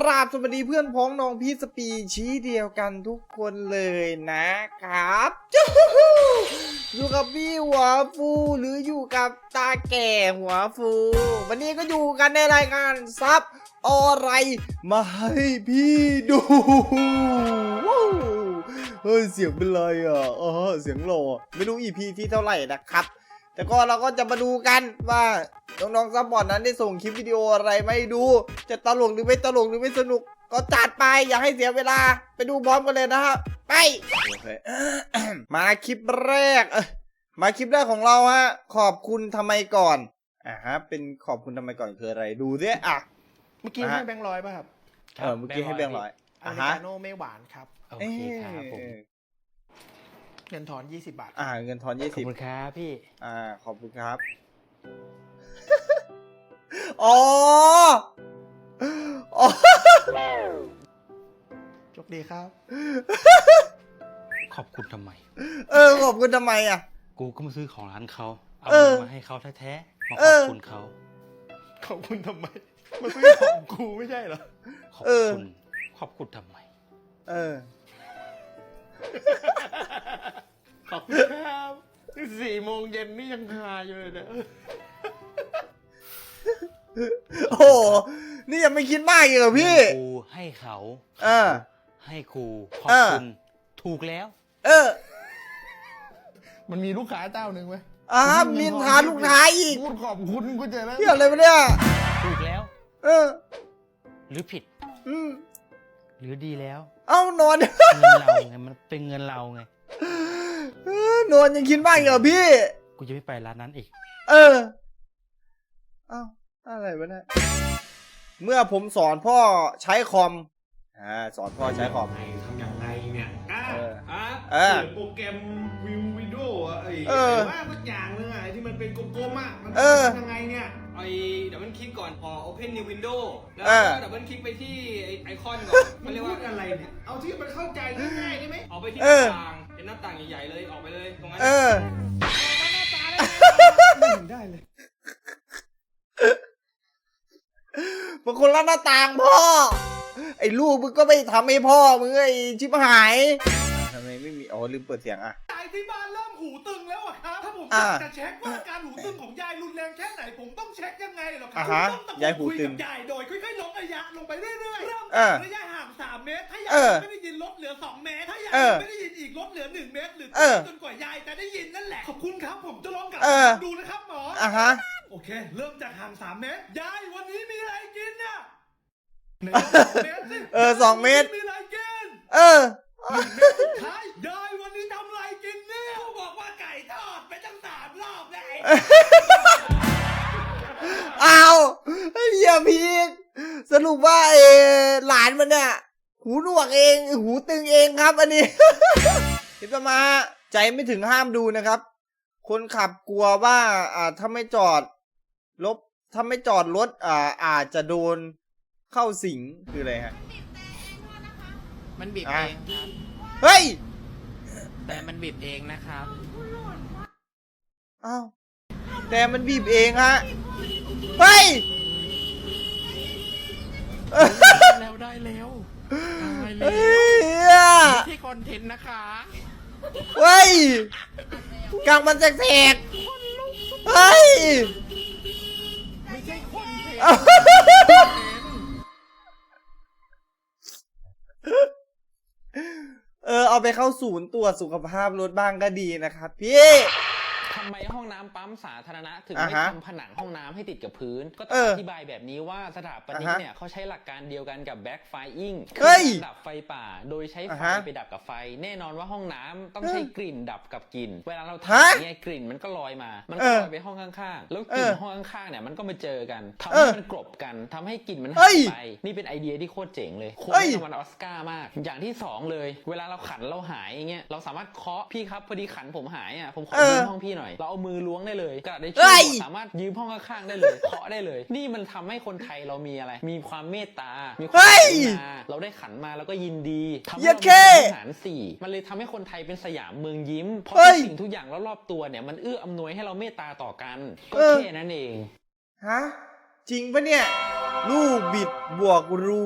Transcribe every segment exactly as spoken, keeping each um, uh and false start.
ราบสวัสดีเพื่อนพ้องน้องพี่สปีชี้เดียวกันทุกคนเลยนะครับจู๊อยู่กับพี่หัวฟูหรืออยู่กับตาแก่หัวฟูวันนี้ก็อยู่กันในรายการซับอะไรมาให้พี่ดูเฮ้ยเสียงเป็นไรอ่ะอ๋อเสียงหล่อไม่รู้ อี พี ที่เท่าไหร่นะครับแต่ก็เราก็จะมาดูกันว่าน้องๆซับบอร์ดนั้นได้ส่งคลิปวิดีโออะไรไม่ดูจะตลกหรือไม่ตลกหรือไม่สนุกก็จัดไปอย่าให้เสียเวลาไปดูพร้อมกันเลยนะครับไป มาคลิปแรกมาคลิปแรกของเราฮะขอบคุณทำไมก่อนอ่าฮะเป็นขอบคุณทำไมก่อนคืออะไรดูสิอ่ะเมื่อกี้ให้แบงค์ร้อยป่ะครับเออเมื่อกี้ให้แบงค์ร้อยอเมริกาโน่ไม่หวานครับโอเคครับผมเงินทอนยี่สิบบาทอ่าเงินทอนยี่สิบขอบคุณครับพี่อ่าขอบคุณครับอ๋ออ๋อโชคดีครับขอบคุณทำไมเออขอบคุณทำไมอ่ะกูก็มาซื้อของร้านเขาเอามาให้เขาแท้ๆมาขอบคุณเขาขอบคุณทำไมมาซื้อของกูไม่ใช่เหรอขอบคุณขอบคุณทำไมเออขอบคุณครับสี่โมงเย็นนี่ยังคาอยู่เลยนะโอ้นี่ยังไม่คิดมากอีกเหรอพี่ครูให้เขาเออให้ครูขอบคุณถูกแล้วเออมันมีลูกค้าเจ้าหนึ่งไหมอ่ามีทานลูกค้าอีกพูดขอบคุณกูเจอแล้วเกี่ยวอะไรมาเนี่ยถูกแล้วเออหรือผิดอืมหรือดีแล้วเอ้านอนเงินเราไงมันเป็นเงินเราไงนอนยังคิดมากเหรอพี่กูจะไม่ไปร้านนั้นอีกเออเอ้าอะไรวะเนี่ยเมื่อผมสอนพ่อใช้คอมอ่าสอนพ่อใช้คอมทำอย่างไรเนี่ยอ่าอ่าเออโปรแกรมวิววิดีโอไอ้ว่าสักอย่างนึงไอ้ที่มันเป็นกลมๆอ่ะมันทำยังไงเนี่ยไอ้ดับเบิลคลิกก่อนพอ Open New Window แล้วก็ดับเบิลคลิกไปที่ไอคอนก่อนมันเรียกว่าอะไรเนี่ยเอาที่มันเข้าใจง่ายๆได้ไหมออกไปที่หน้าต่างเป็นหน้าต่างใหญ่ๆเลยออกไปเลยตรงนั้นเออได้เลยบางคนละหน้าต่างพ่อไอ้ลูกมึงก็ไม่ทำให้พ่อมึงไอ้ชิบหายทำไมไม่มีอ๋อลืมเปิดเสียงอ่ะยายที่บ้านเริ่มหูตึงแล้วอะครับถ้าผมอยากจะเช็คว่าการหูตึงของยายรุนแรงแค่ไหนผมต้องเช็คยังไงหรอครับยายหูตึงยายโดยค่อยๆลดระยะลงไปเรื่อยๆเริ่มจากระยะห่างสามเมตรถ้ายายไม่ได้ยินลดเหลือสองเมตรถ้ายายไม่ได้ยินอีกลดเหลือหนึ่งเมตรหรือจนกว่ายายจะได้ยินนั่นแหละขอบคุณครับผมจะลองกลับดูนะครับหมออ่ะฮะโอเคเริ่มจากห่างสามเมตรยายวันนี้มีอะไรกินน่ะเออสองเมตรมีอะไรกินเออสุดท้ายยายวันนี้ทำอะไรกินเนี่ยเขาบอกว่าไก่ทอดไปตั้งสามรอบเลยอ้าวเฮียพีกสรุปว่าเอหลานมันเนี่ยหูหนวกเองหูตึงเองครับอันนี้คิดมาใจไม่ถึงห้ามดูนะครับคนขับกลัวว่าอ่าถ้าไม่จอดรถถ้าไม่จอดรถอ่าอาจจะโดนเข้าสิงคืออะไรฮะมันบีบเองครับเฮ้ยแต่มันบีบเองนะครับอ้าวแต่มันบีบเองฮะเฮ้ยแล้วได้แล้วได้แล้วที่คอนเทนต์นะคะเฮ้ยกลางมันแสกๆเฮ้ยไม่ใช่คอนเทนต์เออเอาไปเข้าศูนย์ตรวจสุขภาพรถบ้างก็ดีนะครับพี่ทำไมห้องน้ำปั๊มสาธารณะถึงไม่ทำผนังห้องน้ำให้ติดกับพื้นก็ต้องอธิบายแบบนี้ว่าสถาปนิกเนี่ยเขาใช้หลักการเดียวกันกับแบ็คไฟอิงคือดับไฟป่าโดยใช้ไฟไปดับกับไฟแน่นอนว่าห้องน้ำต้องใช้กลิ่นดับกับกลิ่นเวลาเราถ่ายเนี่ยกลิ่นมันก็ลอยมามันก็ลอยไปห้องข้างๆแล้วกลิ่นห้องข้างๆเนี่ยมันก็มาเจอกันทำให้มันกลบกันทำให้กลิ่นมันหายไปนี่เป็นไอเดียที่โคตรเจ๋งเลยควรได้รางวัลออสการ์มากอย่างที่สองเลยเวลาเราขันเราหายอย่างเงี้ยเราสามารถเคาะพี่ครับพอดีขันผมหายอ่ะผมขอยืมห้องพี่หน่อยเราเอามือล้วงได้เลยกระดาษได้ช่วยสามารถยืมห้องข้างๆได้เลยเคาะได้เลยนี่มันทำให้คนไทยเรามีอะไรมีความเมตตามีความกรุณาเราได้ขันมาแล้วก็ยินดีทำให้เราเป็นฐานสี่มันเลยทำให้คนไทยเป็นสยามเมืองยิ้มเพราะสิ่งทุกอย่างรอบๆตัวเนี่ยมันเอื้ออำนวยให้เราเมตตาต่อกันก็แค่นั้นเองฮะจริงปะเนี่ยรูบิกบวกรูบิก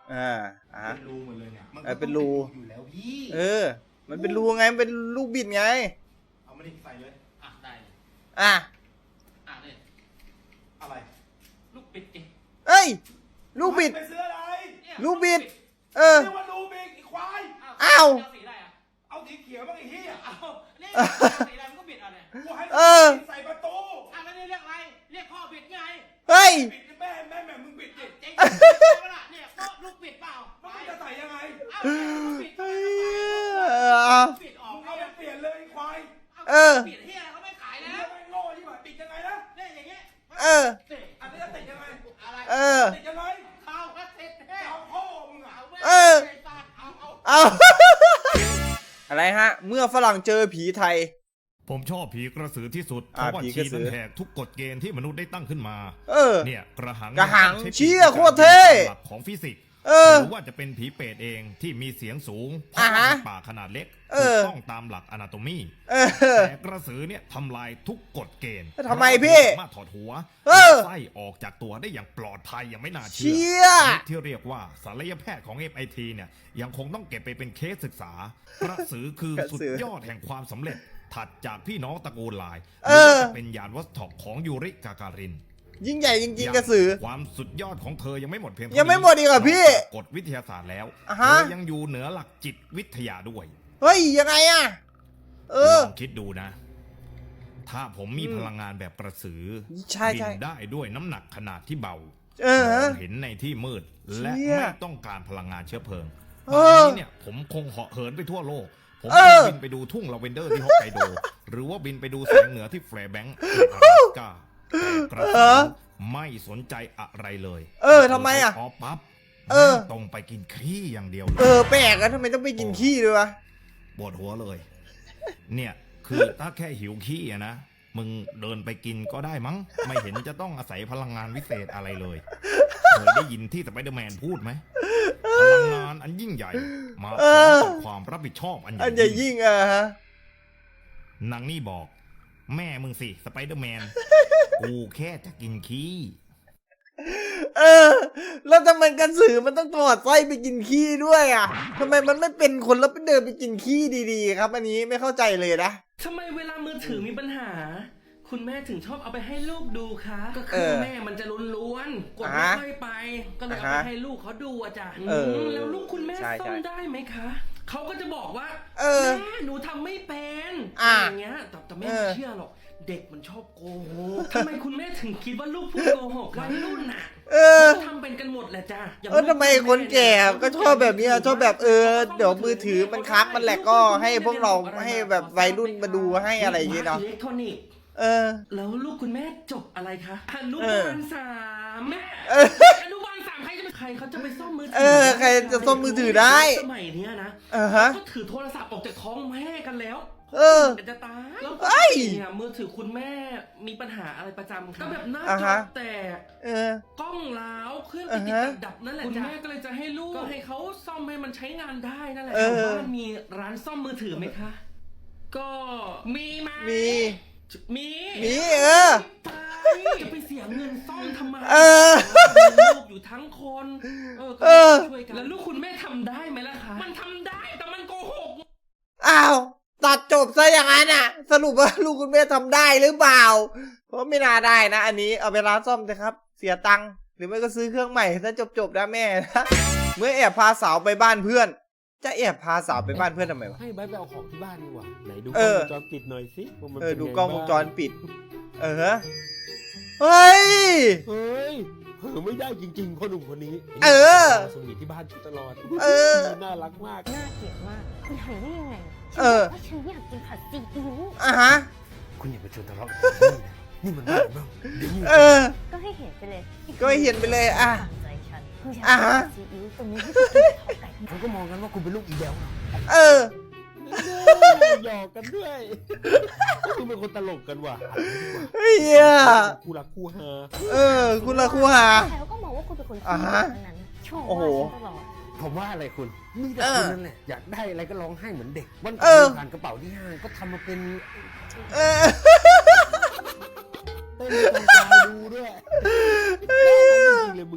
อ่าอ่าเป็นรูหมดเลยเนี่ยมันเออเป็นรูอยู่แล้วพี่เออ มันเป็นรูไงมันเป็นลูกบิดไงเอามาดิใส่เลยอ่ะได้อ่ะอ่ะเนี่ยอะไรลูกปิดเองเอ้ย ลูกบิดไปซื้ออะไรเนี่ยลูกบิด เออเรียกว่ารูบิกไอ้ควายอ้าวเสีอะไรอ่ะเอาสีเขียวบ้างไอ้เหี้ยเอาเนี่ยสีอะไรมันก็บิดเอาเนี่ยกูให้เออใส่ประตูอ่ะแล้วนี่เรียกอะไรเรียกพ่อบิดไงเฮ้ยปิดแม่แม่แม่มึงปิดดิเจ๊งเวลาเนี่ยก็ลูกบิดเปล่าแล้วมึงจะใส่ยังไงเอาเนี่ยบิดเอเอาอบิดออกมึงเอาไปเปลี่ยนเลยไอ้ควายเออบิดเฮียเขาไม่ขายไอ้แล้เหี้ยว ไม่งโง่ที่หว่าปิดยังไงนะเนี่ยอย่างเงี้ยเอออันนี้จะติดยังไงอะไรเออติดยังไงเข้าก็ติดแท้เอาพ่อมึงอ่ะเอาเออเอาเอาเอา อะไรฮะ เมื่อฝรั่งเจอผีไทยผมชอบผีกระสือที่สุด เพอ่าราะว่าผีกชีระสืนั้อนแหกทุกกฎเกณฑ์ที่มนุษย์ได้ตั้งขึ้นมาเออเนี่ยกระหังกระหังใช้ปีกเชี่ยโคตรเท่หลักของฟิสิกส์เออหรือว่าจะเป็นผีเปรตเองที่มีเสียงสูงเพอ่าราะฮะว่าเป็นป่าขนาดเล็กเอถูอกต้องตามหลักอนาโตมีเออแต่กระสือเนี่ยทำลายทุกกฎเกณฑ์ทำไมพี่เราสามารถถอดหัวเออไส้ออกจากตัวได้อย่างปลอดภัยอย่างไม่น่าเชื่เชี่ยที่เรียกว่าศัลยแพทย์ของ เอฟ ไอ ที เนี่ยยังคงต้องเก็บไปเป็นเคสศึกษากระสือคือกระสืสุอดยอดแห่งความสำเร็จ ถัดจากพี่น้องตระกูลลายหเอรืออว่าจะเป็นยานวัสดุของยูริกาการินยิ่งใหญ่จริงๆกระสือความสุดยอดของเธอยังไม่หมดเพียงเท่ายังไม่หมดอีกเหรอพี่นอกจากกฎวิทยาศาสตร์แล้วอ่ะเธฮะอยังอยู่เหนือหลักจิตวิทยาด้วยเฮ้ย ยังไงอะเออลองคิดดูนะ ถ้าผมมีอืมพลังงานแบบกระสือใช่บิใช่นได้ด้วยน้ำหนักขนาดที่เบาเออมองเห็นในที่มืด และเชี่ยไม่ต้องการพลังงานเชื้อเพลิงเอป่านอนี้เนี่ยผมคงเหาะเหินไปทั่วโลก ผมเอคองบินไปดูทุ่งลาเวนเดอร์ที่ฮอกไกโด หรือว่าบินไปดูแสงเหนือที่แฟร์แบงก์ในอลาสก้าแต่กระเอสืออไม่สนใจอะไรเลยเออทำไมอะพอปั๊บเออตรงไปกินขี้อย่างเดียวเลยเออ แปลกอะทำไมต้องไปกินขี้ด้วยวะปวดหัวเลย เนี่ยคือถ้าแค่หิวขี้อะนะ มึงเดินไปกินก็ได้มั้ง ไม่เห็นจะต้องอาศัยพลังงานวิเศษอะไรเลย เคยได้ยินที่สไปเดอร์แมนพูดไหม พลังงานอันยิ่งใหญ่ มาพร้อมกับความรับผิดชอบอันใหอัญ่นใหญ่ยิ่งอะฮะนางนี่บอก แม่มึงสิสไปเดอร์แมน กูแค่จะกินขี้เออ แล้วทำไมกระสือมันต้องถอดไส้ไปกินขี้ด้วยอ่ะทำไมมันไม่เป็นคนแล้วไปเดินไปกินขี้ดีๆ ครับ อันนี้ไม่เข้าใจเลยนะทำไมเวลามือถือมีปัญหา คุณแม่ถึงชอบเอาไปให้ลูกดูคะ ก็เอคืออแม่มันจะล้วนๆกดอ่าไม่ฮะค่อยไป ก็เลยเอาอ่าไปฮะให้ลูกเขาดูอะจ้ะเออมแล้วลูกคุณแม่ใช่ซ่อใช่มได้ไหมคะ เขาก็จะบอกว่าเออแม่หนูทำไม่เป็นอ่าอย่างเงี้ยแต่แต่แม่เออไม่เชื่อหรอก เด็กมันชอบโกหกทำไมคุณแม่ถึงคิดว่าลูกพูดโกหกวัยรุ่นน่ะเออเขาทำเป็นกันหมดแหละจ้ะย่างเออทำไมคนแก่ก็ชอบแบบเนี้ยชอบแบบเออ เดี๋ยวมือถือมันคับมันแหลกก็ให้พวกเราให้แบบวัยรุ่นมาดูให้อะไรอย่างเงี้ยเนาะอิเล็กทรอนิกส์เออแล้วลูกคุณแม่จบอะไรคะอนุเอบาอลสามแม่เอออนุบาลสามใครจะไปใครเขาจะไปซ่อมมือถืเออใครจะซ่อมมือถือได้สมัยเนี้ยนะเออฮะก็ถือโทรศัพท์ออกจากท้องแม่กันแล้วเออมันจะตายแล้วเอ้ยเนี่ยมือถือคุณแม่มีปัญหาอะไรประจำคะก็แบบหน้าอ่าจอฮะแตกเออกล้องล้าวเครื่องอ่าติดฮะดับๆนั่นแหละคุณแม่ก็เลยจะให้ลูกก็ให้เขาซ่อมให้มันใช้งานได้นั่นแหละเออแถวบ้านมีร้านซ่อมมือถือไหมคะ ก็มีไหมมีมีมีเออไปจะไปเสียเงินซ่อมทำไมเออมีลูกอยู่ทั้งคน เออก็เออช่วยกันแล้วลูกคุณแม่ทำได้ไหมล่ะคะ มันทำได้แต่มันโกหกอ้าว ตัดจบซะอย่างนั้นอ่ะ สรุปว่าลูกคุณแม่ทำได้หรือเปล่า เพราะไม่น่าได้นะ อันนี้เอาไปร้านซ่อมเลยครับ เสียตังค์หรือไม่ก็ซื้อเครื่องใหม่ซะจบๆนะแม่นะ เมื่อแอบพาสาวไปบ้านเพื่อน จะแอบพาสาวไปบ้านเพื่อนทำไมวะให้ไบร์ทไปเอาของที่บ้านดีกว่าไหนดูกเอล้องอวงจรปิดหน่อยสิว่ามันเออป็นดูไกล้องวงจรบ้าปิด เออฮะเฮ้ยเฮ้ยเผลอไม่ได้จริงๆพ่อหนุ่มคนนี้เออสวีทที่บ้านอยู่ตลอดเออน่ารักมากน่าเกลียดมาก คุณทำได้ยังไงเออฉันบกว่าฉันอยากกินผัดซีอิ๊วอ่ะฮะคุณอย่าไปชวนทะเลาะกับผมนะนี่มันบ้าบ้างเดี๋ยวมึงเออก็ให้เห็นไปเลยก็ให้เห็นไปเลยอ่ะตามใจฉันคุณอยากอ่ะกินฮะผัดซีอิ๊วตรงนี้ที่คุณกินข้าวไก่เขาก็มองกันว่าคุณเป็นลูกอีเดลเออหยอกกันด้วยคุณเป็นคนตลกกันว่ะเฮียคู่รักคู่ฮาเออ คุณละครูหาใครเขาก็มองว่าคุณเป็นคนอ่าขี้ฮะทั้งนั้นชมโอ้โหว่าฉันตลอดผมว่าอะไรคุณมีแต่เออคุณนั่นแหละอยากได้อะไรก็ร้องไห้เหมือนเด็กวันเอก่อนอเดินผ่านกระเป๋าที่ห้างก็ทำมาเป็นเออเต้นให้กองกลางดูด้วยจริงๆเลยมึงเนี่ยท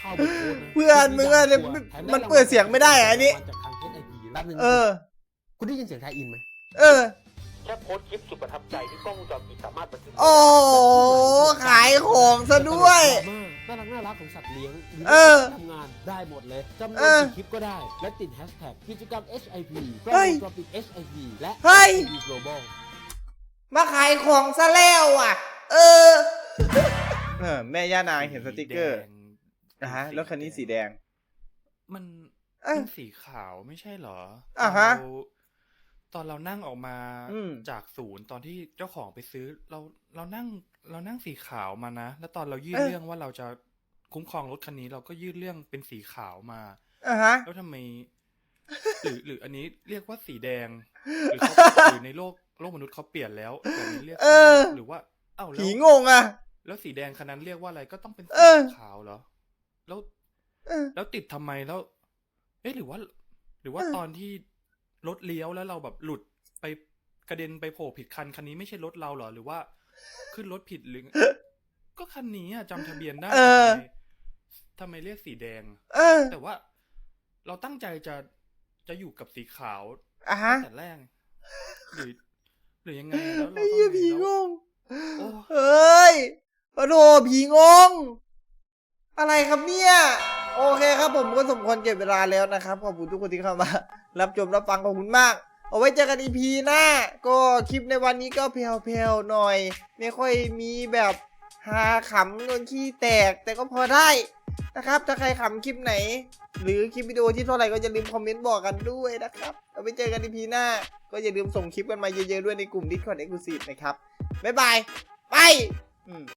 เข้าไปโพสต์นะเพื่อนมึงอะมันเปิดเสียงไม่ได้อะอันนี้จากทาง เอส ไอ พี แป๊บนึงเออคุณได้ยินเสียงไทยอินไหมเออแค่โพสต์คลิปสุดประทับใจที่กล้องวงจรปิดสามารถบันทึกโอ้โหขายของซะด้วยน่ารักน่ารักของสัตว์เลี้ยงหรืเออทำงานได้หมดเลยจำนเอวนอกี่คลิปก็ได้ และติดแฮชแท็กกิจกรรม เอส ไอ พี กล้องเฮ้ยวงจรปิด เอส ไอ พี และเฮ้ยเอส ไอ พี Global มาขายของซะแล้วอ่ะ เออ เออ แม่ย่านางเห็นสติกเกอร์นะฮะแล้วคันนี้สีแดงมันเอ้ยเป็นสีขาวไม่ใช่เหรออ่าฮะตนเราตอนเรานั่งออกมาอืมจากศูนย์ตอนที่เจ้าของไปซื้อ เราเรานั่งเรานั่งสีขาวมานะ แล้วตอนเรายื่นเอ้ยเรื่องว่าเราจะคุ้มครองรถคันนี้ เราก็ยื่นเรื่องเป็นสีขาวมาอ่ะฮะแล้วทำไม หรือหรืออันนี้เรียกว่าสีแดง หรือเขาหรือในโลกโลกมนุษย์เขาเปลี่ยนแล้วแต่นี้เรียกเอสีอแดงหรือว่าเอ้าแล้วผีงงอ่ะแล้วสีแดงคันนั้นเรียกว่าอะไรก็ต้องเป็นเอสีอขาวเหรอ แล้วเออแล้วติดทำไมแล้ว เอ๊ะหรือว่า หรือว่าเออตอนที่รถเลี้ยวแล้วเราแบบหลุดไปกระเด็นไปโผล่ผิดคันคันนี้ไม่ใช่รถเราเหรอ หรือว่าขึ้นรถผิดหรือ ก็คันนี้อะจำทะเบียนได้เออทำไมทำไมเรียกสีแดงเออแต่ว่าเราตั้งใจจะจะอยู่กับสีขาวอ่ะฮะตั้งแต่แรกหรือหรือยังไงแล้วเราไอ้ต้องเหี้ยผีแล้วงงโอ้เฮ้ยปะโถผีงง อะไรครับเนี่ย โอเคครับผมก็สมควรเก็บเวลาแล้วนะครับ ขอบคุณทุกคนที่เข้ามา รับชมรับฟังขอบคุณมาก เอาไว้เจอกัน อี พี หน้า ก็คลิปในวันนี้ก็เพลวๆหน่อย ไม่ค่อยมีแบบฮาขำโดนขี้แตก แต่ก็พอได้นะครับ ถ้าใครขำคลิปไหน หรือคลิปวิดีโอที่เท่าไหร่ก็อย่าลืมคอมเมนต์บอกกันด้วยนะครับ เอาไว้เจอกัน อี พี หน้า ก็อย่าลืมส่งคลิปกันมาเยอะๆด้วยในกลุ่ม Discord Exclusive นะครับ บ๊ายบาย ไปอืม